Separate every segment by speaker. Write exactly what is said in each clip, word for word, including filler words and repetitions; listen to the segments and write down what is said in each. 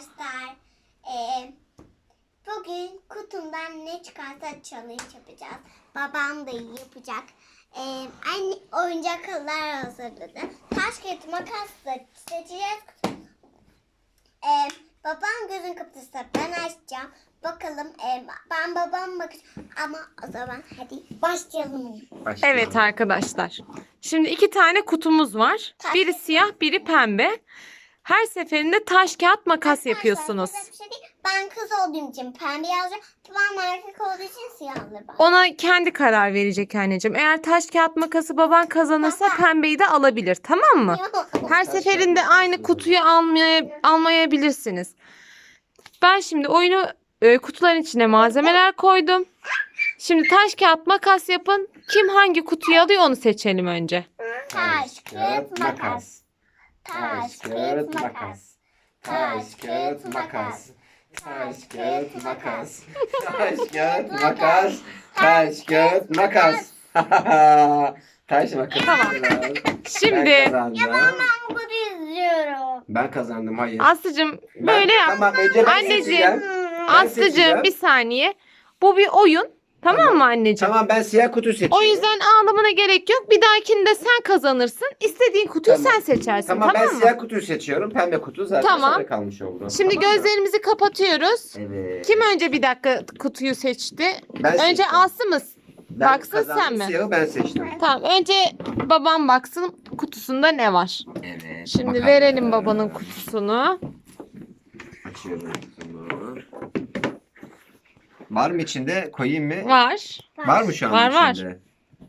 Speaker 1: Arkadaşlar, eee, bugün kutumdan ne çıkarsa challenge yapacağız. Babam da yapacak. Eee anne oyuncaklar hazırladı. Taş kağıt makas da seçeceğiz. Eee babam gözün kapatırsa ben açacağım. Bakalım eee, ben babam bakacağım. Ama o zaman hadi başlayalım.
Speaker 2: Başlayalım.
Speaker 3: Evet arkadaşlar. Şimdi iki tane kutumuz var.
Speaker 1: Taş-
Speaker 3: Biri siyah, biri pembe. Her seferinde taş, kağıt, makas yapıyorsunuz.
Speaker 1: Arkadaşlar, bir şey değil. Ben kız olduğum için pembe yazacağım. Babam erkek olduğu için siyah alır. bak.
Speaker 3: Ona kendi karar verecek anneciğim. Eğer taş, kağıt, makası baban kazanırsa
Speaker 1: Baba.
Speaker 3: pembeyi de alabilir. Tamam mı? Her
Speaker 2: Taş,
Speaker 3: seferinde
Speaker 2: kağıt,
Speaker 3: aynı
Speaker 2: makas
Speaker 3: kutuyu almaya, almayabilirsiniz. Ben şimdi oyunu e, kutuların içine malzemeler koydum. Şimdi taş, kağıt, makas yapın. Kim hangi kutuyu alıyor onu seçelim önce.
Speaker 1: Taş, kağıt, makas. Taş, kağıt, makas.
Speaker 2: Taş, kağıt, makas. Taş, kağıt, makas. Taş, kağıt, makas. Taş, kağıt, makas. Taş, makas.
Speaker 3: Tamam.
Speaker 2: Ben
Speaker 3: Şimdi
Speaker 2: kazandım.
Speaker 1: Ben bunu izliyorum.
Speaker 2: Ben kazandım, hayır.
Speaker 3: Aslı'cığım
Speaker 2: Ben-
Speaker 3: böyle yap.
Speaker 2: Tamam, önce ben
Speaker 3: Anneciğim,
Speaker 2: seçeceğim. Ben
Speaker 3: Aslı'cığım
Speaker 2: seçeceğim.
Speaker 3: bir saniye. Bu bir oyun. Tamam,
Speaker 2: Tamam.
Speaker 3: mı anneciğim?
Speaker 2: Tamam, ben siyah kutu seçiyorum.
Speaker 3: O yüzden ağlamana gerek yok. Bir dahakinde sen kazanırsın. İstediğin kutuyu
Speaker 2: Tamam.
Speaker 3: sen seçersin.
Speaker 2: Tamam,
Speaker 3: Tamam,
Speaker 2: ben
Speaker 3: mı?
Speaker 2: siyah kutuyu seçiyorum. Pembe kutu zaten
Speaker 3: Tamam.
Speaker 2: sonra kalmış oldu.
Speaker 3: Şimdi
Speaker 2: Tamam mı?
Speaker 3: gözlerimizi kapatıyoruz.
Speaker 2: Evet.
Speaker 3: Kim önce bir dakika kutuyu seçti?
Speaker 2: Ben
Speaker 3: önce
Speaker 2: seçtim.
Speaker 3: Aslı mı?
Speaker 2: Ben
Speaker 3: baksın,
Speaker 2: kazandım,
Speaker 3: sen mi?
Speaker 2: Siyahı ben seçtim.
Speaker 3: Tamam, önce babam baksın kutusunda ne var.
Speaker 2: Evet.
Speaker 3: Şimdi
Speaker 2: bakalım.
Speaker 3: verelim babanın kutusunu.
Speaker 2: Açıyorum kutumu. Var mı içinde? Koyayım mı?
Speaker 3: Var.
Speaker 2: Var mı şu an
Speaker 3: Var, var.
Speaker 2: içinde?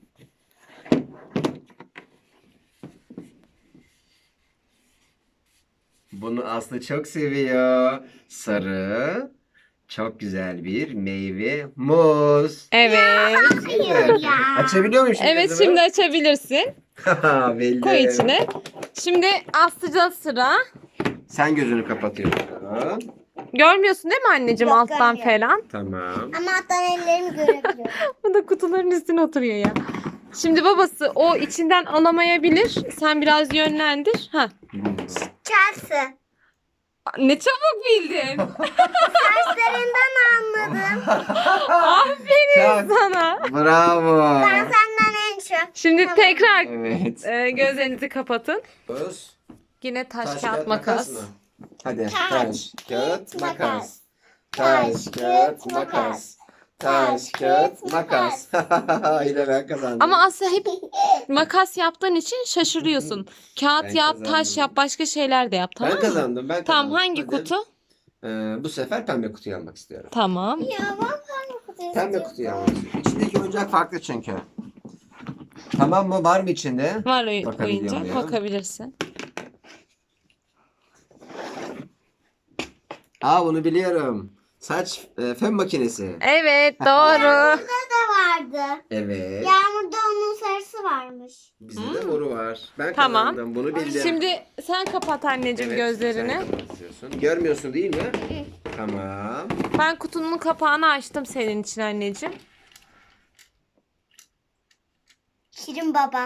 Speaker 2: Bunu Aslı çok seviyor. Sarı. Çok güzel bir meyve. Muz.
Speaker 3: Evet.
Speaker 1: Hayır ya.
Speaker 2: Açabiliyor muyum şimdi?
Speaker 3: Evet,
Speaker 2: kızımı?
Speaker 3: şimdi açabilirsin.
Speaker 2: Belli.
Speaker 3: Koy içine. Şimdi Aslı'da sıra.
Speaker 2: Sen gözünü kapatıyorsun.
Speaker 3: Görmüyorsun değil mi anneciğim,
Speaker 1: Yok,
Speaker 3: alttan
Speaker 1: görmüyorum.
Speaker 3: falan?
Speaker 2: Tamam.
Speaker 1: Ama alttan ellerimi görebiliyorum.
Speaker 3: Bu da kutuların üstüne oturuyor ya. Şimdi babası o içinden alamayabilir. Sen biraz yönlendir. Ha.
Speaker 1: Chelsea.
Speaker 3: Ne çabuk bildin.
Speaker 1: Saçlarından anladım.
Speaker 3: Aferin
Speaker 2: Çok-
Speaker 3: sana.
Speaker 2: Bravo.
Speaker 1: Ben senden en çok.
Speaker 3: Şimdi
Speaker 1: Tamam.
Speaker 3: tekrar
Speaker 2: Evet.
Speaker 3: e, gözlerinizi kapatın.
Speaker 2: Öz.
Speaker 3: Yine taş, kağıt, makas.
Speaker 2: mı? Hadi.
Speaker 1: Taş,
Speaker 2: Taş, kağıt,
Speaker 1: makas.
Speaker 2: makas.
Speaker 1: Taş,
Speaker 2: Taş,
Speaker 1: kağıt,
Speaker 2: kağıt,
Speaker 1: makas.
Speaker 2: makas. Taş, kağıt, makas. Yine ben kazandım.
Speaker 3: Ama Aslı hep makas yaptığın için şaşırıyorsun. Kağıt
Speaker 2: Ben
Speaker 3: yap,
Speaker 2: kazandım.
Speaker 3: taş yap, başka şeyler de yap, tamam
Speaker 2: ben
Speaker 3: mı?
Speaker 2: kazandım. Ben
Speaker 3: Tamam,
Speaker 2: kazandım.
Speaker 3: hangi
Speaker 2: Hadi.
Speaker 3: kutu?
Speaker 2: Ee, bu sefer pembe kutuyu almak istiyorum.
Speaker 3: Tamam.
Speaker 1: Ya ben pembe kutuyu
Speaker 2: Pembe
Speaker 1: istiyorum.
Speaker 2: kutuyu almak istiyorum. İçindeki oyuncak farklı çünkü. Tamam mı? Var mı içinde?
Speaker 3: Var oy-
Speaker 2: Bakabiliyor
Speaker 3: oyuncak,
Speaker 2: muyum?
Speaker 3: bakabilirsin.
Speaker 2: Aa, bunu biliyorum. Saç e, fön makinesi.
Speaker 3: Evet, doğru.
Speaker 1: Burada da vardı.
Speaker 2: Evet.
Speaker 1: Yağmurda onun sarısı varmış.
Speaker 2: Bizde de moru var. Ben
Speaker 3: Tamam.
Speaker 2: kazandım. Bunu bildim.
Speaker 3: Şimdi sen kapat anneciğim
Speaker 2: Evet,
Speaker 3: gözlerini.
Speaker 2: sen kapatıyorsun. Görmüyorsun değil mi? Tamam.
Speaker 3: Ben kutunun kapağını açtım senin için anneciğim.
Speaker 1: Şirin baba.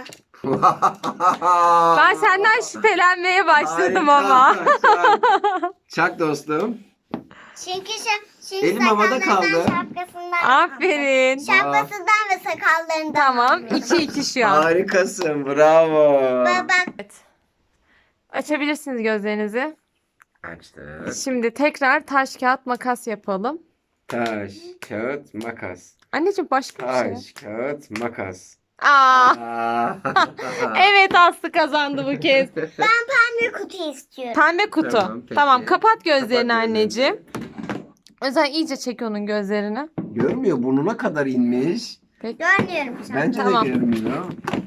Speaker 3: Ben senden şüphelenmeye başladım
Speaker 2: Harika.
Speaker 3: ama.
Speaker 2: Çak. Çak dostum.
Speaker 1: Çünkü şu, çünkü
Speaker 2: Elim havada
Speaker 1: sakallarından,
Speaker 2: kaldı.
Speaker 1: şapkasından.
Speaker 3: Aferin.
Speaker 1: Şapkasından ve sakallarından.
Speaker 3: Tamam,
Speaker 1: anlıyorum.
Speaker 3: iki iki şu an.
Speaker 2: Harikasın. Bravo.
Speaker 1: Baba.
Speaker 3: Evet. Açabilirsiniz gözlerinizi.
Speaker 2: Açtık.
Speaker 3: Şimdi tekrar taş, kağıt, makas yapalım.
Speaker 2: Taş, kağıt, makas.
Speaker 3: Anneciğim başka bir şey.
Speaker 2: Taş, kağıt, makas.
Speaker 3: Aa,
Speaker 2: Aa.
Speaker 3: evet, Aslı kazandı bu kez.
Speaker 1: Ben pembe kutu istiyorum.
Speaker 3: Pembe kutu.
Speaker 2: Tamam,
Speaker 3: Tamam,
Speaker 2: peki.
Speaker 3: kapat gözlerini
Speaker 2: Kapat gözlerini.
Speaker 3: anneciğim. Özel iyice çek onun gözlerini.
Speaker 2: Görmüyor, burnuna kadar inmiş.
Speaker 3: Peki.
Speaker 1: Görmüyorum şu an.
Speaker 2: Bence
Speaker 3: Tamam.
Speaker 2: de görmüyor.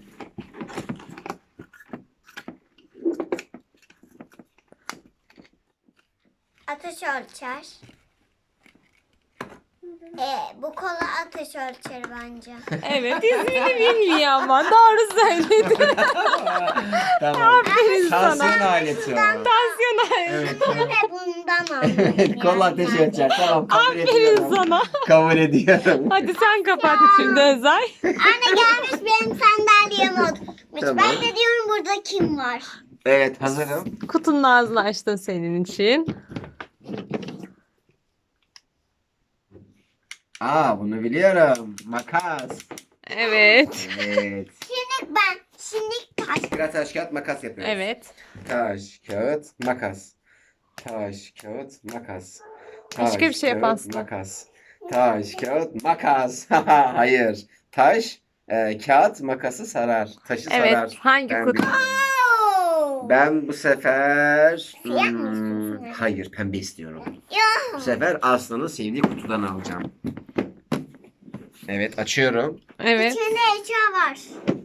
Speaker 1: Ateş ölçer. Ee, bu kola ateş ölçer bence.
Speaker 3: Evet, ismini bilmiyor ama doğru söyledin.
Speaker 2: Tamam.
Speaker 3: Aferin sana.
Speaker 2: Tansiyon aleti o.
Speaker 3: Tansiyon.
Speaker 2: Evet.
Speaker 1: Ve bundan aldım.
Speaker 2: Evet, kola ateşi ölçer. Tamam, kabul
Speaker 3: Aferin
Speaker 2: ediyorum.
Speaker 3: sana.
Speaker 2: Kabul ediyorum.
Speaker 3: Hadi sen kapat şimdi Özay.
Speaker 1: Anne gelmiş benim sandalyeme oturmuş.
Speaker 2: Tamam.
Speaker 1: Ben de diyorum burada kim var?
Speaker 2: Evet, hazırım.
Speaker 3: Kutunun ağzını açtın senin için.
Speaker 2: Aa, bunu biliyorum. Makas.
Speaker 3: Evet.
Speaker 2: Evet.
Speaker 1: Şimdi ben. Şimdi taş.
Speaker 2: Biraz taş kağıt makas yapıyoruz.
Speaker 3: Evet.
Speaker 2: Taş kağıt makas. Taş kağıt makas.
Speaker 3: Başka bir şey yap
Speaker 2: kağıt,
Speaker 3: Aslı.
Speaker 2: Makas. Taş kağıt makas. Hayır. Taş e, kağıt makası sarar. Taşı
Speaker 3: Evet.
Speaker 2: sarar.
Speaker 3: Hangi
Speaker 2: Ben
Speaker 3: kutu?
Speaker 2: biliyorum.
Speaker 1: Oo.
Speaker 2: Ben bu sefer
Speaker 1: Siyah mı
Speaker 2: hmm,
Speaker 1: istiyorsun?
Speaker 2: hayır, pembe istiyorum.
Speaker 1: Ya.
Speaker 2: Bu sefer Aslı'nın sevdiği kutudan alacağım. Evet, açıyorum.
Speaker 3: Evet.
Speaker 1: İçinde eşya var.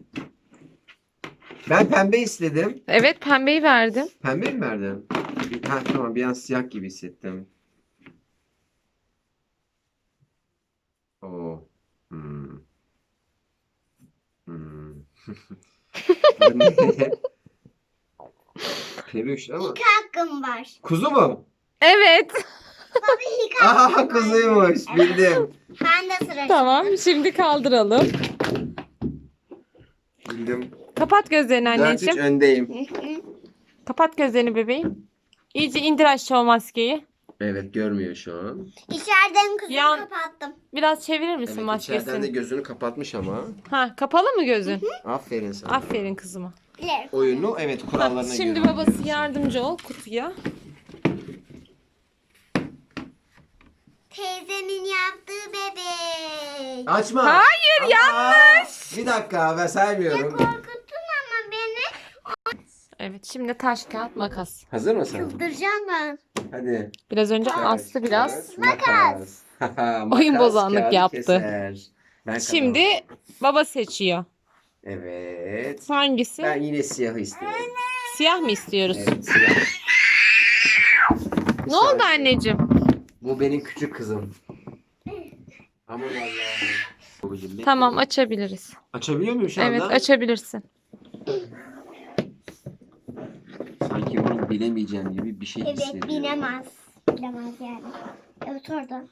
Speaker 2: Ben pembe istedim.
Speaker 3: Evet, pembeyi verdim.
Speaker 2: Pembe mi verdin? Ha, tamam, bir an siyah gibi hissettim. Oo. Hmm. Hmm. Bu ne? Peluş ama.
Speaker 1: İlk hakkım var.
Speaker 2: Kuzu mu?
Speaker 3: Evet.
Speaker 1: Baba ilk hakkım
Speaker 2: Aha,
Speaker 1: var.
Speaker 2: kuzuymuş. Bildim.
Speaker 1: Ben de sıra.
Speaker 3: Tamam, şimdi kaldıralım.
Speaker 2: Bildim.
Speaker 3: Kapat gözlerini
Speaker 2: dört üç
Speaker 3: anneciğim.
Speaker 2: öndeyim.
Speaker 1: Hı hı.
Speaker 3: Kapat gözlerini bebeğim. İyice indir aşağı o maskeyi.
Speaker 2: Evet, görmüyor şu an.
Speaker 1: İçeriden kızımı
Speaker 3: Yan-
Speaker 1: kapattım.
Speaker 3: Biraz çevirir misin
Speaker 2: Evet, içeriden de
Speaker 3: maskesini?
Speaker 2: gözünü kapatmış ama.
Speaker 3: Ha, kapalı mı gözün?
Speaker 2: Aferin sana.
Speaker 3: Aferin kızıma.
Speaker 1: Bilirim.
Speaker 2: Oyunu evet
Speaker 3: Ha,
Speaker 2: kurallarına
Speaker 3: şimdi
Speaker 2: göre
Speaker 3: babası
Speaker 2: oynuyorsun.
Speaker 3: yardımcı ol kutuya.
Speaker 1: Teyzemin yaptığı bebek.
Speaker 2: Açma.
Speaker 3: Hayır,
Speaker 2: Ama-
Speaker 3: yanlış.
Speaker 2: Bir dakika, ben saymıyorum.
Speaker 1: Korkuttun ama beni.
Speaker 3: Evet, şimdi taş kağıt makas.
Speaker 2: Hazır mısın?
Speaker 1: Çıldıracağım ben.
Speaker 2: Hadi.
Speaker 3: Biraz önce
Speaker 2: Taş,
Speaker 3: Aslı biraz.
Speaker 2: kağıt, makas.
Speaker 3: Oyun
Speaker 2: Makas,
Speaker 3: bozanlık
Speaker 2: kağıdı
Speaker 3: yaptı.
Speaker 2: keser. Ben
Speaker 3: Şimdi
Speaker 2: kazandım.
Speaker 3: baba seçiyor.
Speaker 2: Evet.
Speaker 3: Hangisi?
Speaker 2: Ben yine siyahı istiyorum.
Speaker 3: Siyah mı istiyoruz?
Speaker 2: Evet, siyah. Bir
Speaker 3: Ne oldu
Speaker 2: saniye.
Speaker 3: anneciğim?
Speaker 2: Bu benim küçük kızım. Aman Allah'ım. Babacığım, bekle.
Speaker 3: Tamam, açabiliriz.
Speaker 2: Açabiliyor muyum şu anda?
Speaker 3: Evet, açabilirsin.
Speaker 2: Sanki bunu bilemeyeceğim gibi bir şey
Speaker 1: Evet
Speaker 2: hissediyorum.
Speaker 1: bilemez. Bilemez yani. Evet orada.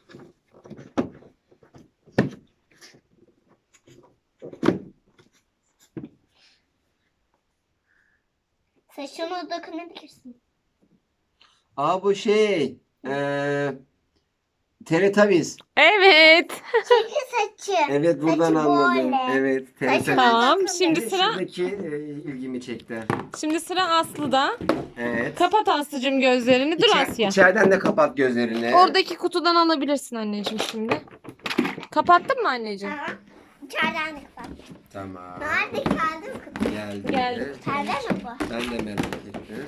Speaker 1: Saçına dokunabilirsin.
Speaker 2: Aa, bu şey. Eee Teletubbies.
Speaker 3: Evet.
Speaker 1: Çünkü saçı.
Speaker 2: Evet, buradan
Speaker 1: Saçı
Speaker 2: anladım.
Speaker 1: böyle.
Speaker 2: Evet,
Speaker 1: Saçı
Speaker 2: Teletubbies.
Speaker 3: Tamam,
Speaker 1: dokunabilir.
Speaker 3: şimdi
Speaker 2: Bir de
Speaker 3: sıra
Speaker 2: Şuradaki e, ilgimi çekti.
Speaker 3: şimdi sıra Aslı'da.
Speaker 2: Evet.
Speaker 3: Kapat Aslı'cığım gözlerini. Dur
Speaker 2: İçer-
Speaker 3: Asya.
Speaker 2: İçeriden de kapat gözlerini.
Speaker 3: Oradaki kutudan alabilirsin anneciğim şimdi. Kapattın mı anneciğim?
Speaker 1: Tamam. İçeriden de kapat.
Speaker 2: Tamam.
Speaker 1: Nerede kaldı mı kapat?
Speaker 2: Geldi.
Speaker 3: Geldi.
Speaker 1: Perde mi bu?
Speaker 2: Ben de merak ettim.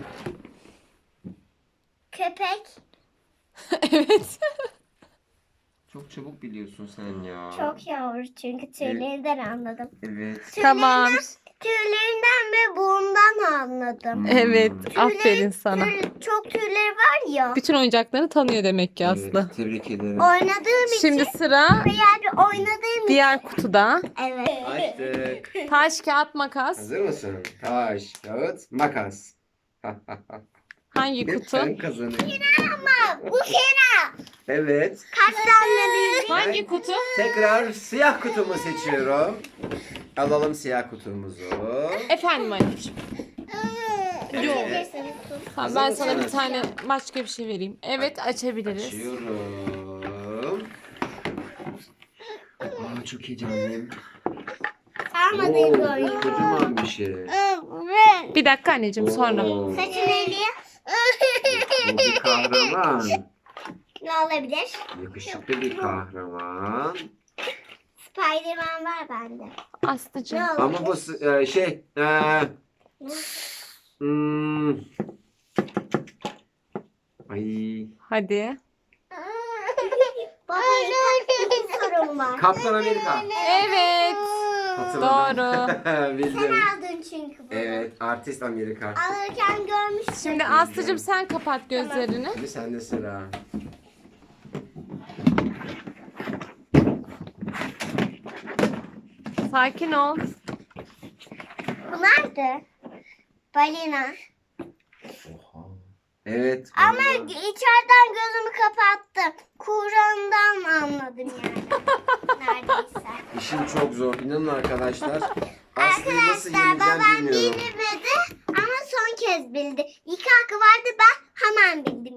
Speaker 1: Köpek.
Speaker 3: Evet.
Speaker 2: Çok çabuk biliyorsun sen ya.
Speaker 1: Çok yavru çünkü tüylerinden anladım.
Speaker 2: Evet.
Speaker 3: Tamam.
Speaker 1: Tüylerinden ve burundan anladım.
Speaker 3: Evet.
Speaker 2: Hmm.
Speaker 3: Aferin sana.
Speaker 1: Tüy- çok tüyleri var ya.
Speaker 3: Bütün oyuncaklarını tanıyor demek ki Aslı.
Speaker 2: Evet, tebrik ederim.
Speaker 1: Oynadığım
Speaker 3: Şimdi
Speaker 1: için
Speaker 3: sıra
Speaker 1: veya bir oynadığım için.
Speaker 3: diğer kutuda.
Speaker 1: Evet.
Speaker 2: Açtık.
Speaker 3: Taş, kağıt, makas.
Speaker 2: Hazır mısın? Taş, kağıt, makas.
Speaker 3: Hangi kutu?
Speaker 2: Sen kazanıyorsun.
Speaker 1: Ama bu kere
Speaker 2: Evet.
Speaker 1: kaç tane bilgi?
Speaker 3: Hangi kutu?
Speaker 2: Tekrar siyah kutumu seçiyorum. Alalım siyah kutumuzu.
Speaker 3: Efendim anneciğim. Yok.
Speaker 1: Açabilirsiniz.
Speaker 3: Tamam,
Speaker 2: Hazır
Speaker 3: ben sana bir
Speaker 2: mısınız?
Speaker 3: tane başka bir şey vereyim. Evet, açabiliriz.
Speaker 2: Açıyorum. Aa, çok heyecanlıyım.
Speaker 1: Sarmadığım bir
Speaker 2: Oo,
Speaker 1: oyun.
Speaker 2: kocaman bir şey.
Speaker 1: Evet.
Speaker 3: Bir dakika anneciğim sonra.
Speaker 2: Oo,
Speaker 1: Saçın eli.
Speaker 2: bu bir kahraman.
Speaker 1: Ne olabilir?
Speaker 2: Yakışıklı bir kahraman.
Speaker 1: Spiderman var bende.
Speaker 3: Aslıcığım.
Speaker 1: Ne olabilir?
Speaker 2: Ama bu s- e, şey e, hmm, ay,
Speaker 3: Hadi.
Speaker 1: Baba bir sorum var.
Speaker 2: Kaptan Amerika.
Speaker 3: Evet.
Speaker 2: Hatırladım.
Speaker 1: Sen
Speaker 2: Bildim.
Speaker 1: aldın çünkü bunu.
Speaker 2: Evet, artist Amerika.
Speaker 1: Alırken görmüştüm.
Speaker 3: Şimdi Aslıcığım sen kapat gözlerini.
Speaker 2: Şimdi sende sıra.
Speaker 3: Sakin ol.
Speaker 1: Bu nerede? Balina.
Speaker 2: Oha. Evet.
Speaker 1: Ama
Speaker 2: vallahi.
Speaker 1: içeriden gözümü kapattım. Kur'an'dan anladım yani. Neredeyse.
Speaker 2: İşim çok zor. İnanın arkadaşlar. Aslı'yı nasıl
Speaker 1: Arkadaşlar
Speaker 2: yeneceğim
Speaker 1: babam
Speaker 2: bilmiyorum.
Speaker 1: bilmedi ama son kez bildi. İlk hakkı vardı ben hemen bildim yani.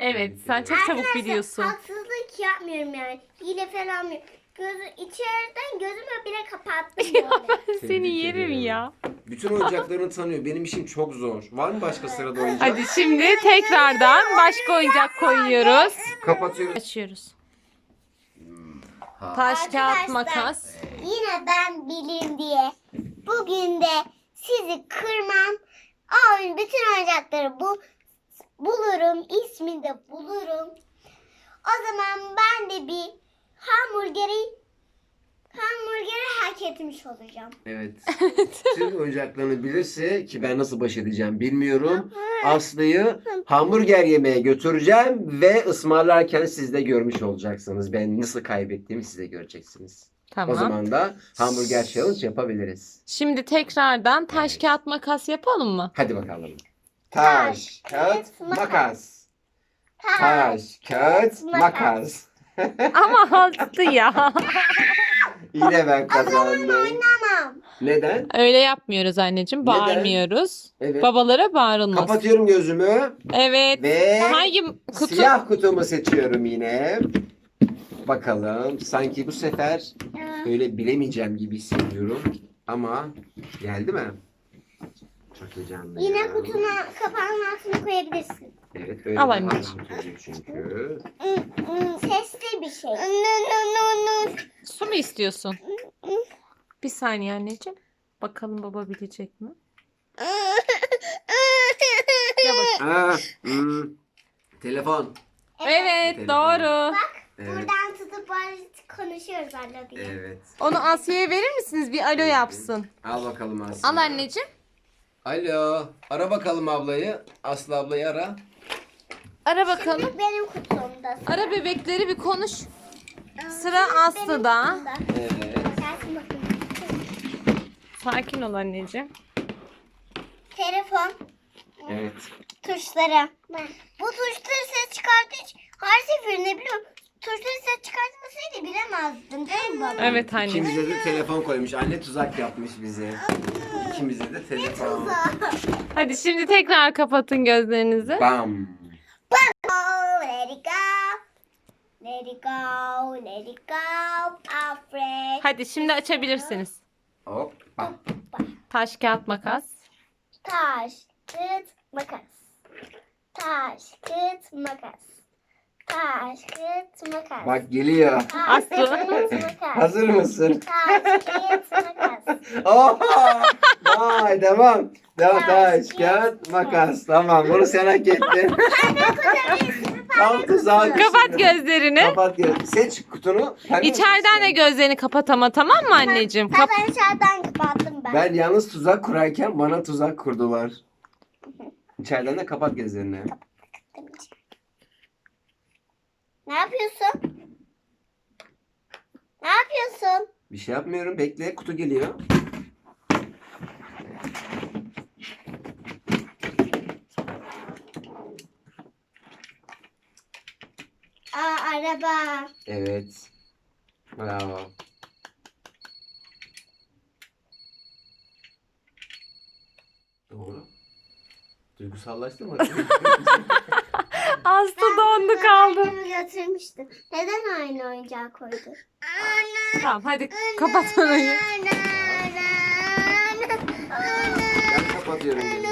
Speaker 3: Evet, sen çok çabuk
Speaker 1: Arkadaşlar,
Speaker 3: biliyorsun.
Speaker 1: haksızlık yapmıyorum yani. Hile falan yapmıyorum. Gözü, içeriden gözümü bile kapattım böyle.
Speaker 3: Seni
Speaker 2: Tebrik
Speaker 3: yerim
Speaker 2: ederim.
Speaker 3: ya.
Speaker 2: Bütün oyuncaklarını tanıyor. Benim işim çok zor. Var mı başka sırada oyuncak?
Speaker 3: Hadi şimdi tekrardan başka oyuncak koyuyoruz.
Speaker 2: Kapatıyoruz.
Speaker 3: Açıyoruz.
Speaker 2: Ha.
Speaker 3: Taş, kağıt,
Speaker 1: Arkadaşlar,
Speaker 3: makas.
Speaker 1: Yine ben bileyim diye bugün de sizi kırmam. Oyun bütün oyuncakları bu bulurum. İsmini de bulurum. O zaman ben de bir hamburgeri hamburgeri hak etmiş olacağım.
Speaker 2: Evet. Tüm oyuncaklarını bilirse ki ben nasıl baş edeceğim bilmiyorum. Aslı'yı hamburger yemeye götüreceğim ve ısmarlarken siz de görmüş olacaksınız. Ben nasıl kaybettiğimi siz de göreceksiniz.
Speaker 3: Tamam.
Speaker 2: O zaman da hamburger challenge yapabiliriz.
Speaker 3: Şimdi tekrardan taş,
Speaker 2: Evet.
Speaker 3: kağıt, makas yapalım mı?
Speaker 2: Hadi bakalım. Taş, kağıt, makas. Taş, kağıt, makas.
Speaker 3: Ama altı ya.
Speaker 2: Yine ben kazandım.
Speaker 1: Oynamam.
Speaker 2: Neden?
Speaker 3: Öyle yapmıyoruz anneciğim.
Speaker 2: Neden?
Speaker 3: Bağırmıyoruz.
Speaker 2: Evet.
Speaker 3: Babalara bağırılmaz.
Speaker 2: Kapatıyorum gözümü
Speaker 3: Evet.
Speaker 2: ve
Speaker 3: Hangi kutu?
Speaker 2: siyah kutumu seçiyorum yine. Bakalım. Sanki bu sefer öyle bilemeyeceğim gibi hissediyorum. Ama geldi mi? Çok heyecanlıyım.
Speaker 1: Yine kutuna kapağının altına koyabilirsin.
Speaker 2: Evet öyle
Speaker 3: Al
Speaker 2: daha
Speaker 3: anneciğim.
Speaker 2: rahat oluyor çünkü.
Speaker 1: Sesli bir şey.
Speaker 3: Su mu istiyorsun? Bir saniye anneciğim. Bakalım baba bilecek mi? Gel bak.
Speaker 2: Aa, hmm, telefon.
Speaker 3: Evet,
Speaker 2: Telefon.
Speaker 3: doğru.
Speaker 2: Evet.
Speaker 1: Buradan tutup böyle konuşuyoruz alo diye.
Speaker 2: Evet.
Speaker 3: Onu Asya'ya verir misiniz? Bir alo yapsın.
Speaker 2: Al bakalım Aslı.
Speaker 3: Al anneciğim.
Speaker 2: Alo. Ara bakalım ablayı. Aslı ablayı ara.
Speaker 3: Ara bakalım.
Speaker 1: Şimdi benim kutumda.
Speaker 3: Ara bebekleri bir konuş. Sıra Aslı'da.
Speaker 2: Evet.
Speaker 1: Gelsin bakayım.
Speaker 3: Sakin ol anneciğim.
Speaker 1: Telefon
Speaker 2: Evet.
Speaker 1: tuşları. Bu tuşları ses çıkarttığı için her seferinde biliyorum. Tuşları ses çıkartmasaydı bilemezdim değil mi baba?
Speaker 3: Evet anneciğim.
Speaker 2: İkimize de telefon koymuş. Anne tuzak yapmış bize. İkimize de telefon.
Speaker 1: Hadi.
Speaker 3: Hadi şimdi tekrar kapatın gözlerinizi.
Speaker 2: Bam.
Speaker 1: Oh, let it go. Let it go. Let it go. Afraid.
Speaker 3: Hadi şimdi açabilirsiniz.
Speaker 2: Hop. Bam.
Speaker 3: Taş, kağıt, makas.
Speaker 1: Taş, kağıt, makas. Taş, kağıt, makas. Taş, kağıt, makas.
Speaker 2: Bak geliyor.
Speaker 1: Taş,
Speaker 3: Aslı.
Speaker 1: kağıt, makas.
Speaker 2: Hazır mısın?
Speaker 1: Taş, kağıt, makas.
Speaker 2: Oha! Vay devam. Devam taş, kağıt, makas. Tamam bunu sen hak ettin. Tam tuzağa düştün.
Speaker 3: Kapat gözlerini.
Speaker 2: Kapat gözlerini. Seç kutunu. Pembe
Speaker 3: İçeriden de
Speaker 2: seçsin.
Speaker 3: gözlerini kapat ama, tamam mı anneciğim? Kap
Speaker 1: Ben içeriden kapattım ben.
Speaker 2: Ben yalnız tuzak kurarken bana tuzak kurdular. İçeriden de kapat gözlerini.
Speaker 1: Ne yapıyorsun? Ne yapıyorsun?
Speaker 2: Bir şey yapmıyorum. Bekle. Kutu geliyor.
Speaker 1: Aa, araba.
Speaker 2: Evet. Bravo. Doğru. Duygusallaştın mı?
Speaker 3: Aslı dondu kaldı.
Speaker 1: Annemi götürmüştüm. Neden aynı oyuncağı koydu?
Speaker 3: Tamam hadi kapat orayı.
Speaker 2: Ben kapatıyorum gözümü.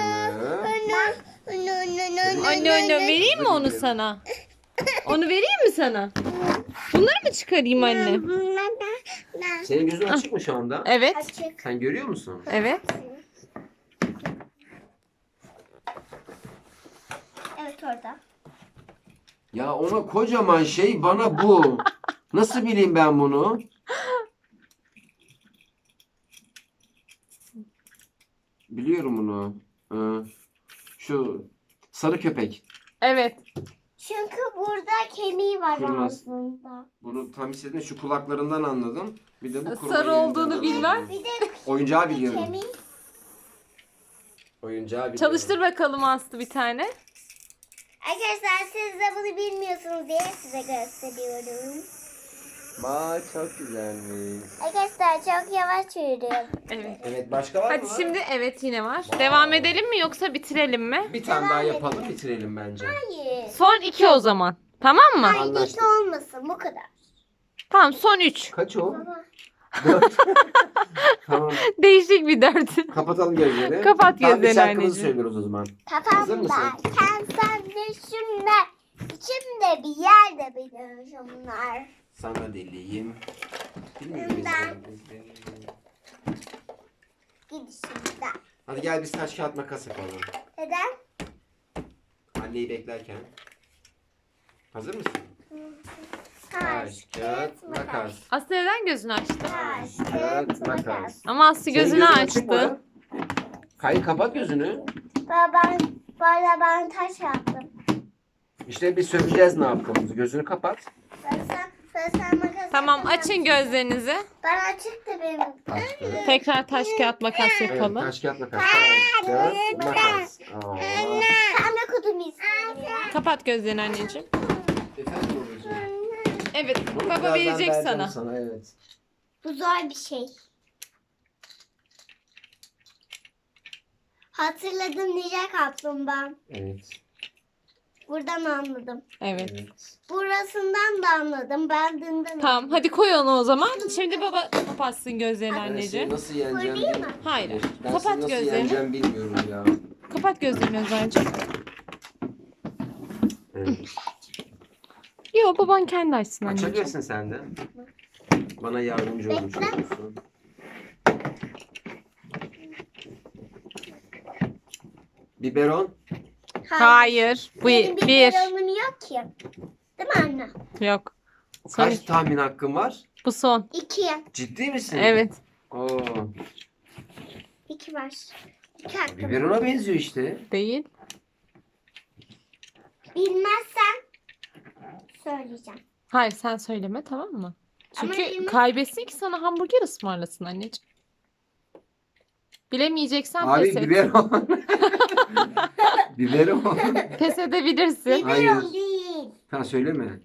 Speaker 3: Anne anne vereyim mi onu sana? Onu vereyim mi sana? Bunları mı çıkarayım anne?
Speaker 2: Senin gözün açık mı şu anda?
Speaker 3: Evet.
Speaker 1: Açık.
Speaker 2: Sen görüyor musun?
Speaker 3: Evet.
Speaker 1: Evet orada.
Speaker 2: Ya ona kocaman şey bana bu. Nasıl bileyim ben bunu? Biliyorum bunu. Ee, Şu sarı köpek.
Speaker 3: Evet.
Speaker 1: Çünkü burada kemiği var
Speaker 2: Kırmaz.
Speaker 1: aslında.
Speaker 2: Bunu tam istediğin şu kulaklarından anladım. Bir de bu kurma
Speaker 3: Sarı
Speaker 2: yerinden
Speaker 3: olduğunu
Speaker 2: anladım.
Speaker 3: bilmem.
Speaker 1: Bir de
Speaker 2: Oyuncağı biliyorum.
Speaker 1: kemiği.
Speaker 2: Oyuncağı biliyorum.
Speaker 3: Çalıştır bakalım Aslı bir tane.
Speaker 1: Arkadaşlar siz de bunu bilmiyorsunuz diye size gösteriyorum.
Speaker 2: Aa, çok güzelmiş.
Speaker 1: Arkadaşlar çok yavaş yürüyorum.
Speaker 3: Evet.
Speaker 2: Evet, başka var
Speaker 3: Hadi
Speaker 2: mı?
Speaker 3: şimdi evet yine var.
Speaker 2: Wow.
Speaker 3: Devam edelim mi yoksa bitirelim mi?
Speaker 2: Bir tane daha
Speaker 1: Devam
Speaker 2: yapalım,
Speaker 1: edelim.
Speaker 2: bitirelim bence.
Speaker 1: Hayır.
Speaker 3: Son iki o zaman. Tamam mı?
Speaker 1: Hayır
Speaker 2: Anlaştık.
Speaker 1: hiç olmasın bu kadar.
Speaker 3: Tamam son üç.
Speaker 2: Kaç o?
Speaker 1: Baba.
Speaker 2: Dört. Tamam.
Speaker 3: Değişik bir dört.
Speaker 2: Kapatalım gözleri.
Speaker 3: Kapat
Speaker 2: Tamam, bir
Speaker 3: gözlerini
Speaker 2: şarkımızı
Speaker 3: anneciğim.
Speaker 2: söylüyoruz o zaman. Hazır
Speaker 1: Kafamda
Speaker 2: mısın?
Speaker 1: sen sen düşünme. İçimde bir yerde biliyorumlar.
Speaker 2: Sana deliyim. Bilmiyorum biz
Speaker 1: Ben-
Speaker 2: de.
Speaker 1: Gidişimde.
Speaker 2: Hadi gel biz taş kağıt makas yapalım.
Speaker 1: Neden?
Speaker 2: Anneyi beklerken. Hazır mısın?
Speaker 1: Taş, kağıt, makas.
Speaker 3: Aslı neden gözünü açtı?
Speaker 1: Taş, kağıt, makas.
Speaker 3: Ama Aslı
Speaker 2: Senin
Speaker 3: gözünü
Speaker 2: gözün açık mı?
Speaker 3: açtı.
Speaker 2: Hayır, kapat gözünü.
Speaker 1: Baba ben, bana ben taş yaptım.
Speaker 2: İşte bir söyleyeceğiz ne yaptığımızı. Gözünü kapat.
Speaker 1: Ben sen, ben sen makas
Speaker 3: Tamam
Speaker 1: yapamam.
Speaker 3: açın gözlerinizi.
Speaker 1: Ben açık da benim.
Speaker 2: Açtı.
Speaker 3: Tekrar taş kağıt makas
Speaker 2: Evet,
Speaker 3: yapalım.
Speaker 2: taş kağıt makas. Taş kağıt makas. Aa.
Speaker 1: Pembe kutumu istiyorum ya.
Speaker 3: Kapat gözlerini anneciğim.
Speaker 2: Efendim babacığım.
Speaker 3: Evet
Speaker 2: Bunu
Speaker 3: baba
Speaker 2: birazdan
Speaker 3: verecek
Speaker 2: vereceğim
Speaker 3: sana.
Speaker 2: Evet.
Speaker 1: Bu zor bir şey. Hatırladım Ninja Kaplumbağa.
Speaker 2: Evet.
Speaker 1: Buradan anladım.
Speaker 3: Evet.
Speaker 2: Evet.
Speaker 1: Burasından da anladım. Ben dünden
Speaker 3: Tamam hadi koy onu o zaman. Şimdi baba kapatsın gözlerini
Speaker 2: Ben seni
Speaker 3: anneciğim.
Speaker 2: nasıl yeneceğim
Speaker 1: Koyayım
Speaker 2: bil-
Speaker 1: mı?
Speaker 3: Hayır.
Speaker 2: Ben seni
Speaker 3: Kapat
Speaker 2: nasıl
Speaker 3: gözlerini.
Speaker 2: yeneceğim bilmiyorum ya.
Speaker 3: Kapat gözlerini Özay'cığım.
Speaker 2: Evet.
Speaker 3: Yok baban kendi açsın anneciğim.
Speaker 2: Açabilirsin sen de. Bana yardımcı olmuş
Speaker 1: Bekle.
Speaker 2: olursun. Biberon.
Speaker 3: Hayır. Bu
Speaker 1: Benim
Speaker 3: bir.
Speaker 1: biberonum yok ki. Değil mi anne?
Speaker 3: Yok. Son
Speaker 2: Kaç
Speaker 3: iki.
Speaker 2: tahmin hakkın var?
Speaker 3: Bu son.
Speaker 1: İki.
Speaker 2: Ciddi misin?
Speaker 3: Evet.
Speaker 2: Oo.
Speaker 1: İki var. İki hakkım.
Speaker 2: Biberona benziyor işte.
Speaker 3: Değil.
Speaker 1: Bilmezsen söyleyeceğim.
Speaker 3: Hayır sen söyleme tamam mı?
Speaker 1: Ama
Speaker 3: Çünkü
Speaker 1: bilmez-
Speaker 3: kaybetsin ki sana hamburger ısmarlasın anneciğim. Bilemeyeceksen
Speaker 2: Abi
Speaker 3: pes et.
Speaker 2: biberon. Biberon.
Speaker 3: Pes edebilirsin.
Speaker 1: Biberon
Speaker 2: Hayır.
Speaker 1: değil.
Speaker 2: Tamam söyleme.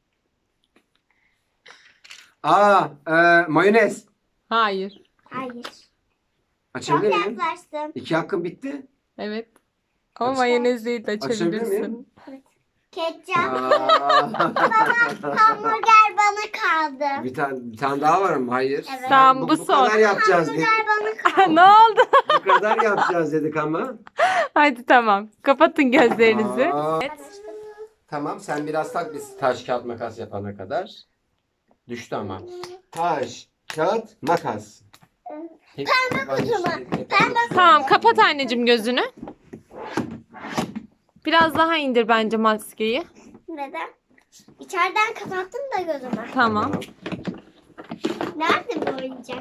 Speaker 2: Aa, e, mayonez.
Speaker 3: Hayır.
Speaker 1: Hayır. Çok
Speaker 2: Açabilir miyim?
Speaker 1: yaklaştım.
Speaker 2: İki hakkım bitti.
Speaker 3: Evet. Ama
Speaker 2: Aç-
Speaker 3: mayonez değil de
Speaker 2: Açabilir
Speaker 3: açabilirsin.
Speaker 1: Ketçap.
Speaker 2: Aa.
Speaker 1: Hamburger bana kaldı.
Speaker 2: bir tane bir tane daha var mı? Hayır.
Speaker 1: Evet.
Speaker 3: Tamam,
Speaker 2: bu,
Speaker 3: bu
Speaker 2: bu
Speaker 3: son.
Speaker 2: kadar yapacağız dedik.
Speaker 1: Hamburger bana kaldı.
Speaker 3: Ne oldu?
Speaker 2: Bu kadar yapacağız dedik ama.
Speaker 3: Hadi tamam. Kapatın gözlerinizi.
Speaker 2: Aa.
Speaker 3: Evet.
Speaker 2: Tamam, sen biraz tak biz taş kağıt makas yapana kadar. Düştü ama. Taş kağıt makas. Pembe
Speaker 1: kutu mu?
Speaker 3: Tamam kapat anneciğim gözünü. Biraz daha indir bence maskeyi.
Speaker 1: Neden? İçeriden kapattım da gözümü.
Speaker 3: Tamam.
Speaker 1: Nerede bu oyuncak?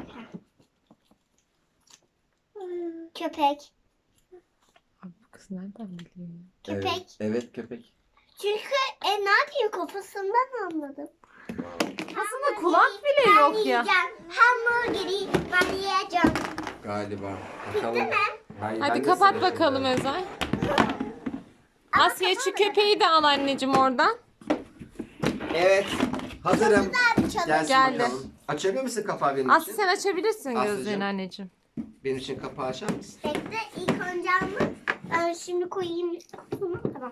Speaker 1: Köpek.
Speaker 3: Bu kız nereden biliyor?
Speaker 1: Köpek.
Speaker 2: Evet, evet köpek.
Speaker 1: Çünkü e, ne yapayım kafasından anladım.
Speaker 3: Aslında kulak bile
Speaker 1: Ben
Speaker 3: yok ya.
Speaker 1: yiyeceğim. Hamburgeri ben yiyeceğim.
Speaker 2: Galiba.
Speaker 1: Bitti
Speaker 2: Bakalım.
Speaker 1: mi?
Speaker 2: Hayır,
Speaker 3: Hadi
Speaker 2: ben de
Speaker 3: kapat
Speaker 2: sıra
Speaker 3: bakalım
Speaker 2: şimdi.
Speaker 3: Özay. Asya şu köpeği de al anneciğim oradan.
Speaker 2: Evet. Hazırım.
Speaker 1: Güzel bir çalı.
Speaker 2: Gelsin
Speaker 3: Geldi.
Speaker 2: bakalım. Açabilir misin kapağı benim
Speaker 3: Aslı
Speaker 2: için?
Speaker 3: sen açabilirsin
Speaker 2: Aslıcığım.
Speaker 3: gözlerini anneciğim.
Speaker 2: Benim için kapağı açar mısın?
Speaker 1: Bekle ilk önce ama ben şimdi koyayım kutumu. Tamam.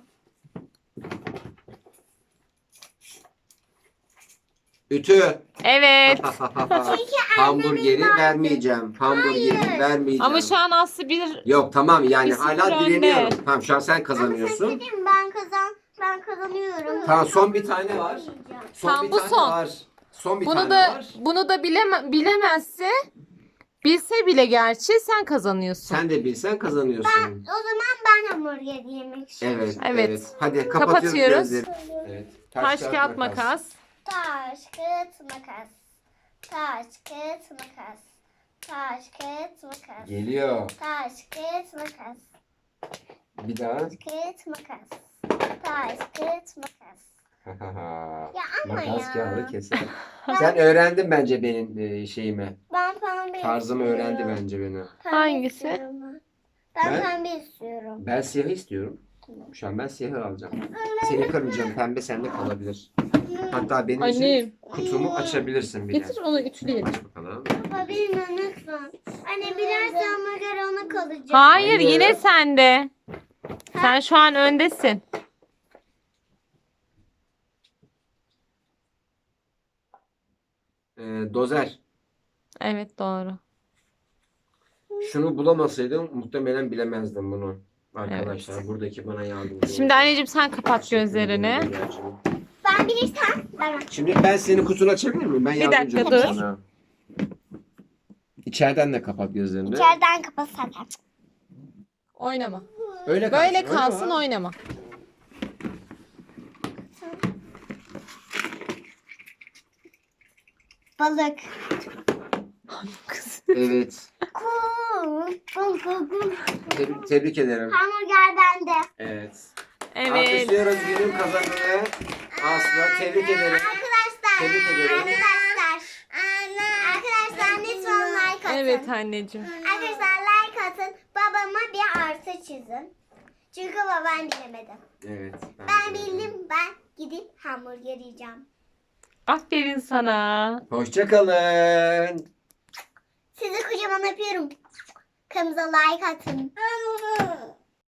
Speaker 3: Evet.
Speaker 1: Çünkü annemin
Speaker 2: Hamburgeri
Speaker 1: vardı.
Speaker 2: vermeyeceğim. Hamburgeri
Speaker 1: Hayır.
Speaker 2: vermeyeceğim.
Speaker 3: Ama şu an Aslı bir
Speaker 2: Yok tamam yani
Speaker 3: Bir sıfır
Speaker 2: hala
Speaker 3: önde.
Speaker 2: direniyorum. Tamam şu an sen
Speaker 1: Ama
Speaker 2: kazanıyorsun.
Speaker 1: sen dedim ben kazan ben kazanıyorum.
Speaker 2: Tamam son bir tane var. Son
Speaker 3: Tamam,
Speaker 2: bir
Speaker 3: bu
Speaker 2: tane
Speaker 3: son.
Speaker 2: var. Son bir
Speaker 3: bunu
Speaker 2: tane
Speaker 3: da
Speaker 2: var.
Speaker 3: bunu da bileme, bilemezse bilse bile gerçi sen kazanıyorsun.
Speaker 2: Sen de bilsen kazanıyorsun.
Speaker 1: O zaman ben hamburger yemek istiyorum.
Speaker 2: Evet,
Speaker 3: Evet.
Speaker 2: evet. Hadi kapatıyoruz
Speaker 3: Kapatıyoruz.
Speaker 2: gözleri. Evet.
Speaker 3: Taş kağıt makas.
Speaker 1: Taş, kağıt, makas. Taş, kağıt, makas. Taş, kağıt, makas.
Speaker 2: Geliyor.
Speaker 1: Taş, kağıt, makas.
Speaker 2: Bir daha.
Speaker 1: Kağıt, makas. Taş, kağıt, makas. Ya ama
Speaker 2: Makas
Speaker 1: ya.
Speaker 2: kağıdı keser. Sen öğrendin bence benim e, şeyimi.
Speaker 1: Ben pembe
Speaker 2: Tarzımı
Speaker 1: istiyorum.
Speaker 2: öğrendi bence beni.
Speaker 1: Pembe
Speaker 3: Hangisi?
Speaker 1: istiyorum ben. Ben
Speaker 2: Ben-
Speaker 1: pembe istiyorum.
Speaker 2: Ben siyahı istiyorum. Şu an ben siyahı alacağım. Seni kırmayacağım. Pembe sende kalabilir. Hatta benim
Speaker 3: Annem.
Speaker 2: için kutumu açabilirsin bile.
Speaker 3: Getir onu ütüleyelim.
Speaker 2: Aç bakalım.
Speaker 1: Baba benimle lütfen. Anne biraz hamburger ona kalacak.
Speaker 3: Hayır,
Speaker 2: Hayır.
Speaker 3: yine sende. Sen şu an öndesin.
Speaker 2: Ee, dozer.
Speaker 3: Evet, doğru.
Speaker 2: Şunu bulamasaydım muhtemelen bilemezdim bunu. Arkadaşlar buradaki bana yardımcı
Speaker 3: Şimdi
Speaker 2: oldu.
Speaker 3: anneciğim sen kapat
Speaker 2: Teşekkür ederim
Speaker 3: gözlerini.
Speaker 2: Hülya'cığım.
Speaker 1: Ben bilirsem ben aç.
Speaker 2: Şimdi ben senin kutunu açabilir miyim? Ben
Speaker 3: Bir
Speaker 2: yardımcı
Speaker 3: dakika,
Speaker 2: olayım
Speaker 3: dur.
Speaker 2: sana. İçeriden de kapat gözlerini.
Speaker 1: İçeriden kapatsak.
Speaker 3: Oynama.
Speaker 2: Öyle
Speaker 3: Böyle
Speaker 2: öyle
Speaker 3: kalsın,
Speaker 2: var.
Speaker 3: oynama.
Speaker 1: Balık.
Speaker 3: Kız.
Speaker 2: Evet.
Speaker 1: Kum. Kum kum kum.
Speaker 2: Tebrik, tebrik ederim.
Speaker 1: Hamburger bende.
Speaker 2: Evet.
Speaker 3: Evet.
Speaker 2: Alkışlıyoruz günün kazananı. Aslı tebrik ederim.
Speaker 1: Arkadaşlar.
Speaker 2: Tebrik ederim.
Speaker 1: Arkadaşlar. Arkadaşlar lütfen like atın.
Speaker 3: Evet anneciğim.
Speaker 1: Arkadaşlar like atın. Babama bir artı çizin. Çünkü babam bilemedi.
Speaker 2: Evet.
Speaker 1: Ben
Speaker 2: de öyle.
Speaker 1: bildim. Ben gidip hamburger yiyeceğim.
Speaker 3: Aferin sana.
Speaker 2: Hoşça kalın.
Speaker 1: Sizi kocaman öpüyorum. Kanalımıza like atın.